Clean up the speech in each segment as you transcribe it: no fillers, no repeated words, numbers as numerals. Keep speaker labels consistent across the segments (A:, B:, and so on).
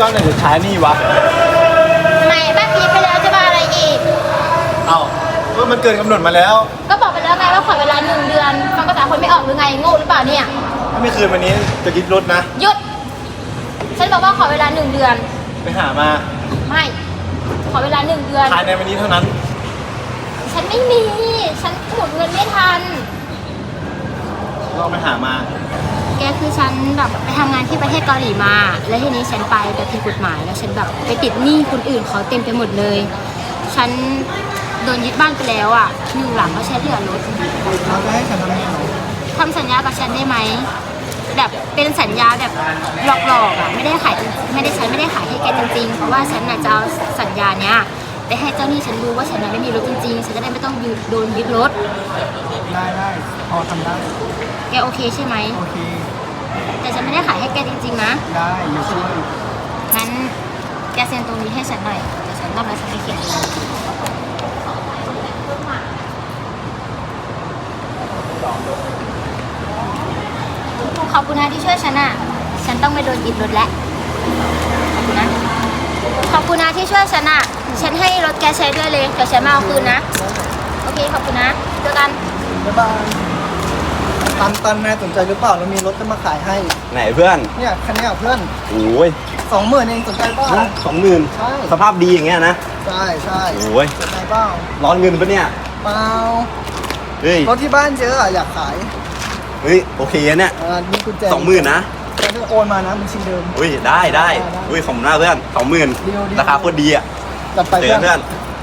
A: ก้อนไหนจะใช้นี่วะ
B: ทำไมบ้านพีไปแล้วจะมาอะไรอีก
A: เอ้าก็มันเกินกำหนดมาแล้ว
B: ก็บอกไปแล้วไงว่าขอเวลา1 เดือนฟังภาษาคนไม่ออกหรือไงโง่หรือเปล่าเนี่ย
A: ถ้าไม่คืนวันนี้จะยึดรถนะ
B: หยุดฉันบอกว่าขอเวลา1 เดือน
A: ไปหามา
B: ไม่ขอเวลา1 เดือน
A: ภายในวันนี้เท่านั้น
B: ฉันไม่มีฉันหมุนเงินไม่ทัน
A: ลองไปหามา
B: แกคือฉันแบบไปทำงานที่ประเทศเกาหลีมาแล้วทีนี้ฉันไปแบบผิดกฎหมายแล้วฉันแบบไปติดหนี้คนอื่นเขาเต็มไปหมดเลยฉันโดนยึดบ้านไปแล้วอ่ะอยู่หลังก็ใช้เหลือรถ
C: เขาจะให้ฉันทำยังไง
B: ทำสัญญากับฉันได้ไหมแบบเป็นสัญญาแบบหลอกๆอ่ะไม่ได้ขายฉันไม่ได้ขายให้แกจริงๆเพราะว่าฉันน่ะจะเอาสัญญาเนี้ยไปให้เจ้าหนี้ฉันรู้ว่าฉันไม่มีรถจริงๆฉันจะได้ไม่ต้องโดนยึดรถ
C: ได้พอทำได้
B: แกโอเคใช่ไหม
C: โอเค
B: แต่ฉันไม่ได้ขายให้แกจริงๆนะ
C: ได้อยู่ช่วย
B: งั้นแกเซ็นตรงนี้ให้ฉันหน่อยเดี๋ยวฉันต้องไปสัญญาเขียนขอบคุณนะที่ช่วยฉันอ่ะฉันต้องไม่โดนยึดรถแล้วขอบคุณนะขอบคุณนะที่ช่วยฉันอ่ะฉันให้รถแกใช้ด้วยเลยเดี๋ยวฉันมาเอาคืนนะโอเคขอบคุณนะเจอกัน
C: บ๊ายบายตันนายสนใจหรือเปล่าเรามีรถจะมาขายให้
A: ไหนเพื่อน
C: เนี่ยคันนี้เพื่อน
A: โอ้ย
C: 20,000เองสนใจเปล่า
A: 20,000
C: ใช่
A: สภาพดีอย่างเงี้ยนะ
C: ใช่
A: โอ้ย
C: สนใจเปล่า
A: ร้อนเงินปะเนี่ย
C: เปล่า
A: เฮ้ย
C: รถที่บ้านเยอะอยากขาย
A: เฮ้ยโอเคเนี่ย
C: มีกุญแจ
A: 20,000นะ
C: จะโอนมานะบัญชีเดิม
A: อุ้ยได้อุ้ยของหน้าเพื่อน20,000ราคาโคตรดีอ่ะ
C: จัดไป
A: เพื่อน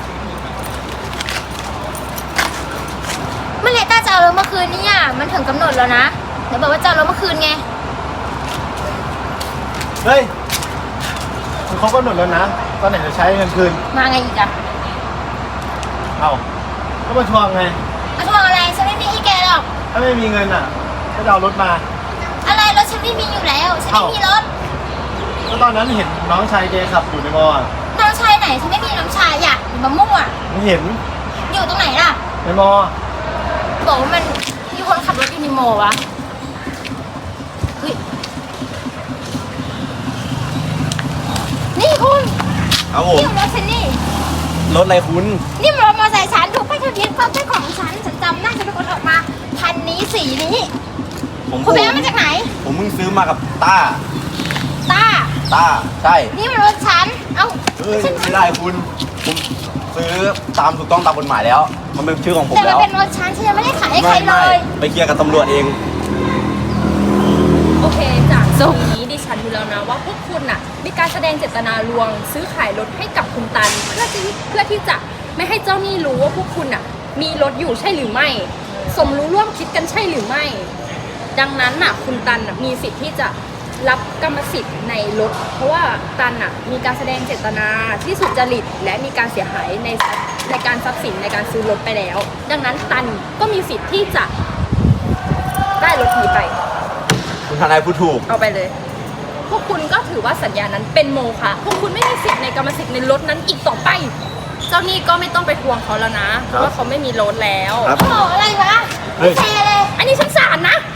B: เมื่อไหร่ต้าจะเอารถเมื่อคืนนี่อ่ะมันถึงกำหนดแล้วนะเดี๋ยวบอกว่าจะเอารถเมื่อคืนไง
A: เฮ้ยมันครบกำหนดแล้วนะตอนไหนจะใช้เงินคืน
B: มาไงอีกอ่ะ
A: เอาก็มาทวงไง
B: มาทวงอะไรฉันไม่มีให้แกหรอก
A: ถ้าไม่มีเงินอ่ะก็จะเอารถมา
B: อะไรรถฉันไม่มีอยู่แล้วฉันไม่มีรถ
A: ก็ตอนนั้นเห็นน้องชายแกขับอยู่ในมอ
B: น้องชายไหนฉันไม่มีน้องชายอยากมามั่ว
A: ไม่เห็น
B: อยู่ตรงไหนล่ะ
A: ในมอ
B: บอกว่ามันมีคนขับรถอยู่ในมอวะเฮ้ยนี่คุณ
A: ครับผม
B: นี่รถฉันนี่
A: รถอะไรคุณ
B: นี่มันรถมอเตอร์ไซค์ฉันถูกป้ายทะเบียนความเป็นของฉันจำได้ฉันเป็นคนออกมาคันนี้สีนี้คุณไปเอามาจากไหน
A: ผมเพิ่งซื้อมากับต้าใช่
B: นี่มันรถฉันเอ้า
A: ไม่ได้คุณผมซื้อตามถูกต้องตามกฎหมายแล้วมันเป็นชื่อของผมแล้ว
B: แต่มันเป็นรถฉันยังไม่ได้ขายให้ใครเลย
A: ไปเคลียร์กับตำรวจเอง
D: โอเคจากตรงนี้ดิฉันรู้แล้วนะว่าพวกคุณน่ะมีการแสดงเจตนาลวงซื้อขายรถให้กับคุณตันเพื่อที่จะไม่ให้เจ้าหนี้รู้ว่าพวกคุณน่ะมีรถอยู่ใช่หรือไม่สมรู้ร่วมคิดกันใช่หรือไม่ดังนั้นน่ะคุณตันน่ะมีสิทธิ์ที่จะรับกรรมสิทธิ์ในรถเพราะว่าตันน่ะมีการแสดงเจตนาที่สุจริตและมีการเสียหายในการทรัพย์สินในการซื้อรถไปแล้วดังนั้นตันก็มีสิทธิ์ที่จะได้รถนี้ไป
A: คุณทนายพูดถูก
D: เอาไปเลยพวกคุณก็ถือว่าสัญญานั้นเป็นโมฆะพวกคุณไม่มีสิทธิ์ในกรรมสิทธิ์ในรถนั้นอีกต่อไปเจ้าหนี้ก็ไม่ต้องไปทวงเขาแล้วนะเพราะว่าเขาไม่มีรถแล้ว
B: โอ้อะไรวะไม่แชร์เลย
D: อันนี้ฉันศาลนะ